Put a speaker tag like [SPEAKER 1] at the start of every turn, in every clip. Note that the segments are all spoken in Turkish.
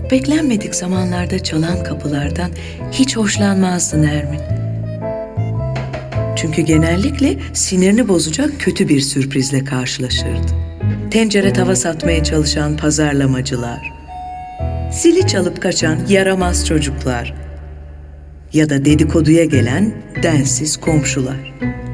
[SPEAKER 1] Beklenmedik zamanlarda çalan kapılardan hiç hoşlanmazdı Nermin. Çünkü genellikle sinirini bozacak kötü bir sürprizle karşılaşırdı. Tencere tava satmaya çalışan pazarlamacılar, zili çalıp kaçan yaramaz çocuklar ya da dedikoduya gelen densiz komşular.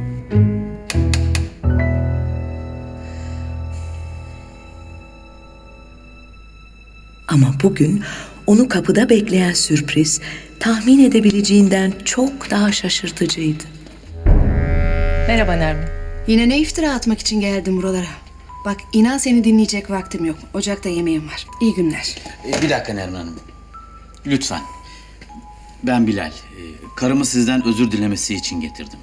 [SPEAKER 1] Ama bugün onu kapıda bekleyen sürpriz tahmin edebileceğinden çok daha şaşırtıcıydı.
[SPEAKER 2] Merhaba Nermin.
[SPEAKER 3] Yine ne iftira atmak için geldim buralara? Bak inan seni dinleyecek vaktim yok. Ocakta yemeğim var. İyi günler.
[SPEAKER 4] Bir dakika Nermin Hanım. Lütfen. Ben Bilal. Karımı sizden özür dilemesi için getirdim.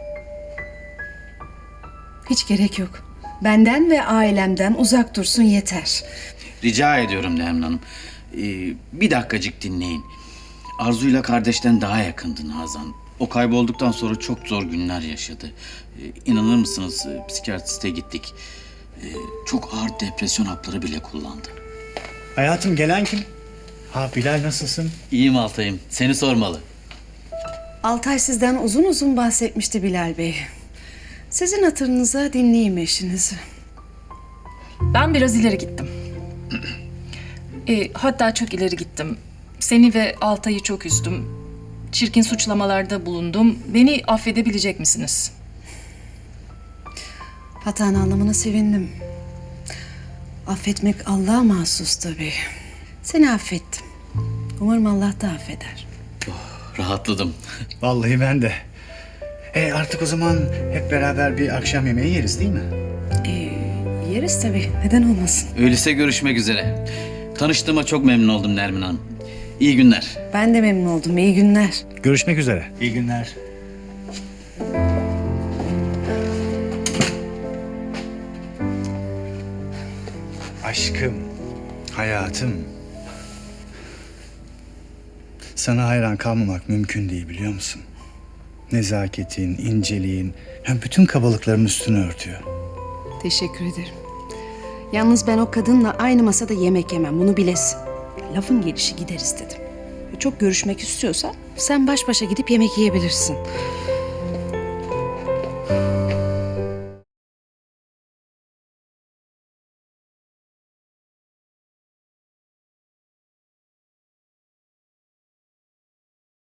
[SPEAKER 3] Hiç gerek yok. Benden ve ailemden uzak dursun yeter.
[SPEAKER 4] Rica ediyorum Nermin Hanım. Bir dakikacık dinleyin. Arzu'yla kardeşten daha yakındı Nazan. O kaybolduktan sonra çok zor günler yaşadı. İnanır mısınız psikiyatriste gittik. Çok ağır depresyon hapları bile kullandı.
[SPEAKER 5] Hayatım gelen kim? Ha Bilal nasılsın?
[SPEAKER 4] İyiyim Altay'ım. Seni sormalı.
[SPEAKER 3] Altay sizden uzun uzun bahsetmişti Bilal Bey. Sizin hatırınıza dinleyeyim eşinizi.
[SPEAKER 2] Ben biraz ileri gittim. Hatta çok ileri gittim. Seni ve Altay'ı çok üzdüm. Çirkin suçlamalarda bulundum. Beni affedebilecek misiniz?
[SPEAKER 3] Hatanı anlamına sevindim. Affetmek Allah'a mahsus tabii. Seni affettim. Umarım Allah da affeder.
[SPEAKER 4] Rahatladım.
[SPEAKER 5] Vallahi ben de. Artık o zaman hep beraber bir akşam yemeği yeriz değil mi?
[SPEAKER 3] Yeriz tabii. Neden olmasın?
[SPEAKER 4] Öyleyse görüşmek üzere. Tanıştığıma çok memnun oldum Nermin Hanım. İyi günler.
[SPEAKER 3] Ben de memnun oldum. İyi günler.
[SPEAKER 5] Görüşmek üzere. İyi günler. Aşkım, hayatım. Sana hayran kalmamak mümkün değil biliyor musun? Nezaketin, inceliğin, hem bütün kabalıkların üstünü örtüyor.
[SPEAKER 3] Teşekkür ederim. Yalnız ben o kadınla aynı masada yemek yemem. Bunu bilesin. Lafın gelişi gideriz dedim. Çok görüşmek istiyorsan sen baş başa gidip yemek yiyebilirsin.